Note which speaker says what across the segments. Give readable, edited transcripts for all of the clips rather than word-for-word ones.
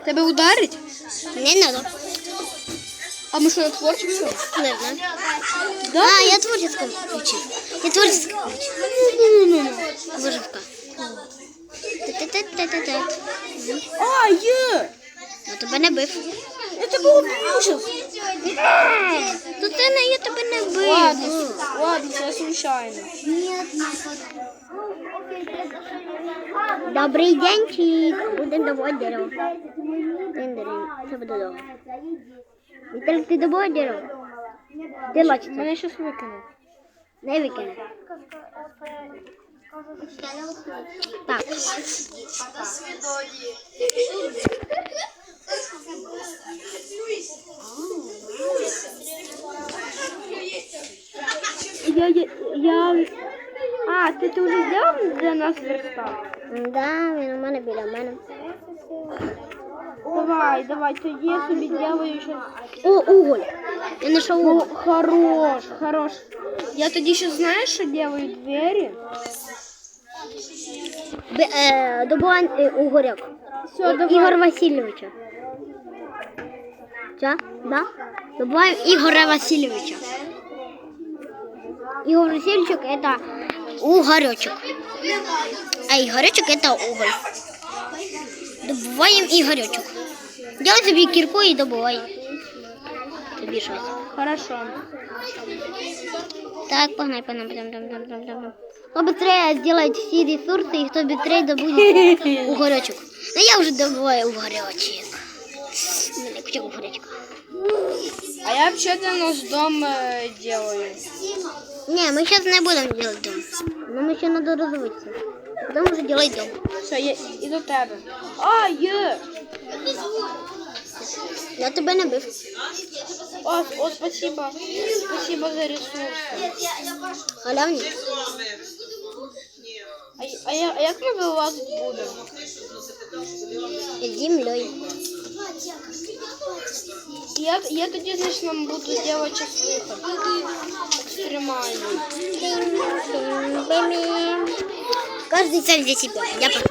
Speaker 1: Тебе ударить?
Speaker 2: Не надо.
Speaker 1: А мы что, на творческом?
Speaker 2: Не знаю.
Speaker 1: Да?
Speaker 2: А, я творческом включил. Я творческом включил. Выживка. Та-та-та-та-та.
Speaker 1: А, є!
Speaker 2: Я тебе не бив.
Speaker 1: Я тебе убив сейчас.
Speaker 2: Тут я тебе не бив.
Speaker 1: Ладно, це случайно.
Speaker 2: Добрий денчик. Будемо добувати дерево. Це буде довго. Віталік, ти добувати дерево? Ти лачиться.
Speaker 1: Мене щось викинув.
Speaker 2: Не викине. Так.
Speaker 1: А, ти вже зробив для нас верстак?
Speaker 2: Да, він у мене біля мене.
Speaker 1: Давай, тоді я собі делаю щось.
Speaker 2: О, уголь. Я знайшов уголь.
Speaker 1: Хорош. Я тоді ще знаєш, що делаю двері?
Speaker 2: Добувань угоряк.
Speaker 1: Все, давай.
Speaker 2: Ігор Васильовича. Що? Да? Добуваем Игоря Васильевича. Игорь Васильевич это угоречек. А Игоречек это уголь. Добуваем Игоречек. Делай себе кирку и добывай. Тобі щось.
Speaker 1: Хорошо.
Speaker 2: Так, погнай. Кто быстрее сделает все ресурсы, и кто быстрее добудет угоречек. Ну я уже добываю угоречек. Куча угоречка.
Speaker 1: А я вообще-то наш дом делаю.
Speaker 2: Не, мы сейчас не будем делать дом. Нам еще надо развиться. Потом уже делать дом.
Speaker 1: Все, я иду до тебе. А, є!
Speaker 2: Я тебе не бив.
Speaker 1: О, спасибо. Спасибо за ресурси.
Speaker 2: Халявні.
Speaker 1: А як ми без вас будемо?
Speaker 2: Землей.
Speaker 1: Я тоді, значить, нам буду делать час виход. Екстремальний.
Speaker 2: Каждый сам за себя. Я пошла.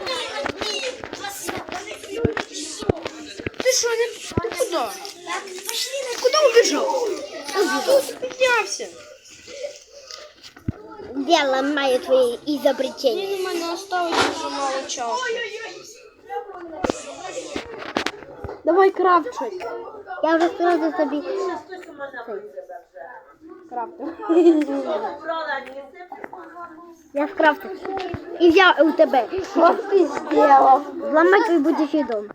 Speaker 1: Ты что, ты куда? Куда убежал? Тут поднялся.
Speaker 2: Я ломаю твои изобретения.
Speaker 1: У мене осталось дуже мало часу. Давай крафчать.
Speaker 2: Я уже сразу собі...
Speaker 1: Крафтер.
Speaker 2: Я скрафтив. І взяв у тебе.
Speaker 1: Що ти зробив?
Speaker 2: Зламай твій будущий дом.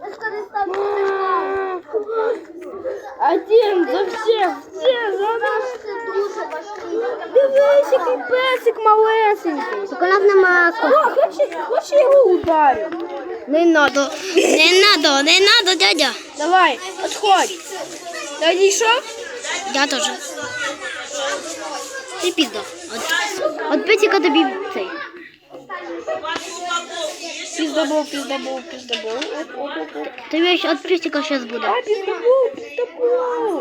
Speaker 1: Один за всех, все за нас. Дивись, який песик малесенький.
Speaker 2: Так у нас нема...
Speaker 1: Хочеш я його ударю?
Speaker 2: Не надо, дядя.
Speaker 1: Давай, отходь. Ти одійшов?
Speaker 2: Я тоже. Ти пізда. От песика тобі цей.
Speaker 1: Пиздобол.
Speaker 2: Тобі ще от песика зараз буде.
Speaker 1: А, пиздобол.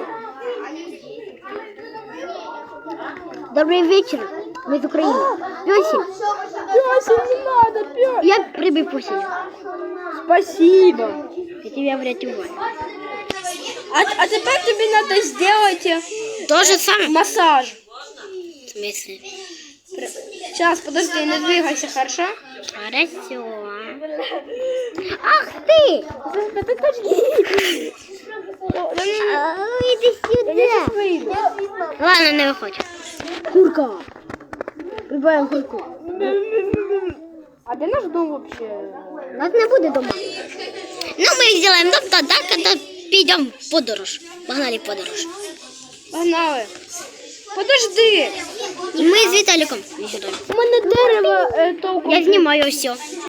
Speaker 2: Добрий вечір. Ми з України. Песик.
Speaker 1: Пёсик, не надо, пёсик.
Speaker 2: Я прибив песик.
Speaker 1: Спасибо.
Speaker 2: Я тебе врятую.
Speaker 1: А тепер тобі треба зробити
Speaker 2: То же самое.
Speaker 1: массаж.
Speaker 2: В смысле?
Speaker 1: Сейчас, подожди, не двигайся, хорошо?
Speaker 2: Хорошо. Ах ты! Иди сюда. Ладно, не выходи.
Speaker 1: Курка. Прибавим курку. А де наш дом вообще?
Speaker 2: У нас не буде дома. Ну, ми зробимо дом тоді, коли підемо в подорож. Погнали в подорож.
Speaker 1: Погнали. Подожди.
Speaker 2: І ми з Віталіком.
Speaker 1: У мене дерево толком.
Speaker 2: Я знімаю все.